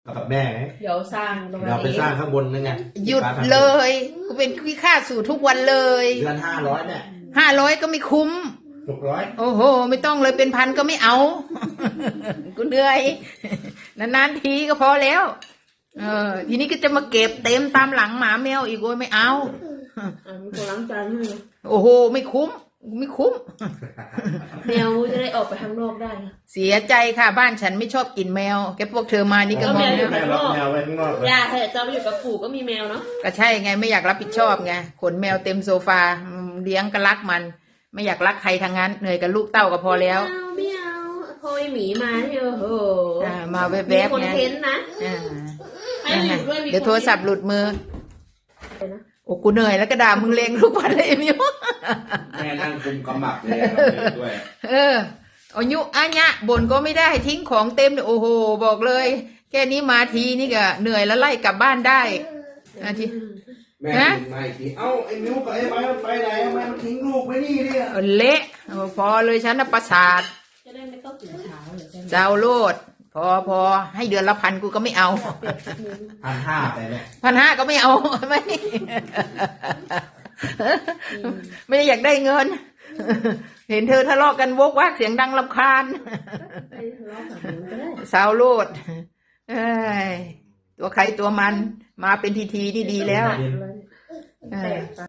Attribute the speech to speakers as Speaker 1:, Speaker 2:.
Speaker 1: กับแม่ไหม
Speaker 2: เดี๋ยวสร้างตรง
Speaker 1: เราไป
Speaker 2: นี้
Speaker 1: สร้างข้างบนนั่นไง
Speaker 3: หยุดเลยกูเป็นขี้ข้าสู่ทุกวันเลย
Speaker 1: เดือน500เนี่ย
Speaker 3: 500ก็ไม่คุ้ม
Speaker 1: 600
Speaker 3: โอ้โห ไม่ต้องเลยเป็นพันก็ไม่เอา กูเหนื่อยนานๆทีก็พอแล้ว ทีนี้ก็จะมาเก็บเต็มตามหลังหมาแมวอีกโอ้ยไม่เอา
Speaker 2: มีคนล้างจานให้นะ
Speaker 3: โอ้โห ไม่คุ้ม ไม่คุ้ม
Speaker 2: แมวจะได้ออกไปข้างนอกได้นะ
Speaker 3: เสียใจค่ะบ้านฉันไม่ชอบกินแมวแกพวกเธอมานี่ก็งง
Speaker 2: อยู่
Speaker 3: แล้ว
Speaker 1: แม่รับแมวไว้ข้างนอกเลย
Speaker 2: ย่าเถอะเจ้าไปอยู่กับปู่ก็มีแมวเนาะ
Speaker 3: ก็ใช่ไงไม่อยากรับผิดชอบไงขนแมวเต็มโซฟาเลี้ยงก็รักมัน ไม่อยากรักใครทางนั้นเหนื่อยกับลูกเต้าก็พอแล้ว
Speaker 2: ไม่เอาพอยหมีมาเนี่ยโอ้โห
Speaker 3: มาแว
Speaker 2: มี
Speaker 3: บ
Speaker 2: คอน
Speaker 3: ๆไง
Speaker 2: เทนต์นะ
Speaker 3: อ่า
Speaker 2: ให้มาอยู่ด้วยมี
Speaker 3: เดี๋ยวโทรศัพท์หลุดมือโอ้กูเหนื่อยแล้วก็ด่ามึงเลงทุกวันเลยมิว
Speaker 1: แม่นั่งกุมกำหมับเลยด้วย
Speaker 3: อายุอันเนี้ยบ่นก็ไม่ได้ทิ้งของเต็มเลยโอ้โหบอกเลย แค่นี้มาทีนี่ก็เหนื่อยแล้วไล่กลับบ้านได้ที
Speaker 1: แม่กินมาอีกทีเอ้าไอ้นิ้วกับไอ้ไม้มันไปไหนทำไมมันทิ้งลูกไว้นี่เนี่ย
Speaker 3: เละพอเลยฉันน่ะประสาท
Speaker 2: จะได้ไม่ต้องตื่นเช้าเลยใช่ไหม
Speaker 3: เจ้าโลดพอให้เดือนละ1,000กูก็ไม่เอา
Speaker 1: 1,500ไปเนี่ย
Speaker 3: 1,500ก็ไม่เอา ไม่ไม่ได้อยากได้เงิน เห็นเธอทะเลาะกันโวกวากเสียงดังรำคาญ
Speaker 2: ไปทะเลาะกับหนูก็ได้
Speaker 3: สาวโลดเอ้ยตัวใครตัวมันมาเป็นทีนี่ดีแล้ว
Speaker 2: เลยแต่